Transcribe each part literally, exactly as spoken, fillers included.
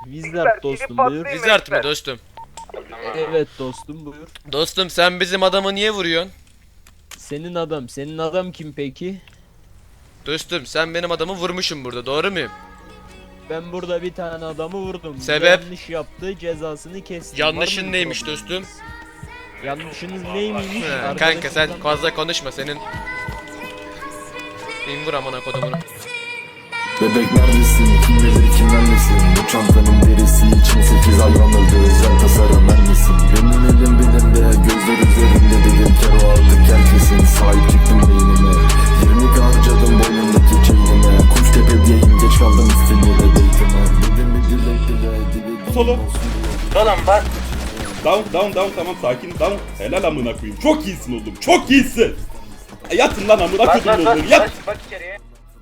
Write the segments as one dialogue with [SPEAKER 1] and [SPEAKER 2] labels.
[SPEAKER 1] Wizard dostum buyur.
[SPEAKER 2] Wizard mı dostum?
[SPEAKER 1] Evet dostum buyur.
[SPEAKER 2] Dostum sen bizim adamı niye vuruyorsun?
[SPEAKER 1] Senin adam, senin adam kim peki?
[SPEAKER 2] Dostum sen benim adamı vurmuşsun burada, doğru muyum?
[SPEAKER 1] Ben burada bir tane adamı vurdum.
[SPEAKER 2] Sebep?
[SPEAKER 1] Yanlış yaptı, cezasını kestim.
[SPEAKER 2] Yanlışın
[SPEAKER 1] Var mı
[SPEAKER 2] neymiş
[SPEAKER 1] problem?
[SPEAKER 2] dostum?
[SPEAKER 1] Yanlışınız neymiş?
[SPEAKER 2] He, kanka sen fazla konuşma, senin... Bin vur amına kodumunu.
[SPEAKER 3] Bebek neredesin? Kim bilir kimden nesin? Bu çantanın derisi için sekiz hayvan öldü. Özel tasarım vermesin. Benim elim bilimde, gözler üzerinde dedim kero aldık herkesin. Sahip çıktım beynime, yirmi k harcadım boynumdaki çeynime. Kuş tepedeyim, geç kaldım istemeye de beytime. Dedim bir dilek dile, dile
[SPEAKER 4] Solo.
[SPEAKER 5] Oğlum bak.
[SPEAKER 4] Down down down tamam sakin down. Helal amına koyayım. Çok iyisin oğlum. Çok iyisin. Yatın lan amına
[SPEAKER 5] Bak
[SPEAKER 4] koydum
[SPEAKER 5] bak bak.
[SPEAKER 4] oğlum. Yat.
[SPEAKER 5] Bak, bak içeriye.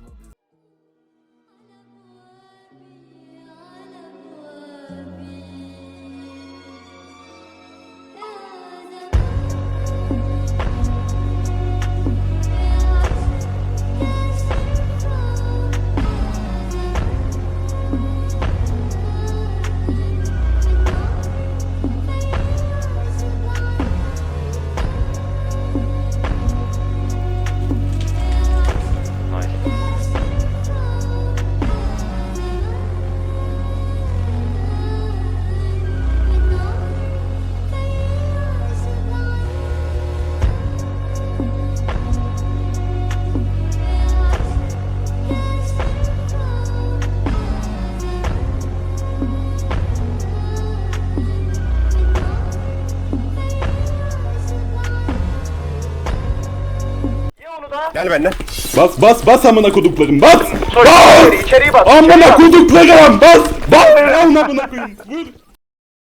[SPEAKER 6] Gel benimle.
[SPEAKER 4] Bas bas bas amına koduklarım. Bas.
[SPEAKER 5] Bas!
[SPEAKER 4] Bas.
[SPEAKER 5] İçeriği bas.
[SPEAKER 4] Amına koduklarım. Bas. Bas. Amına koyayım. Vur.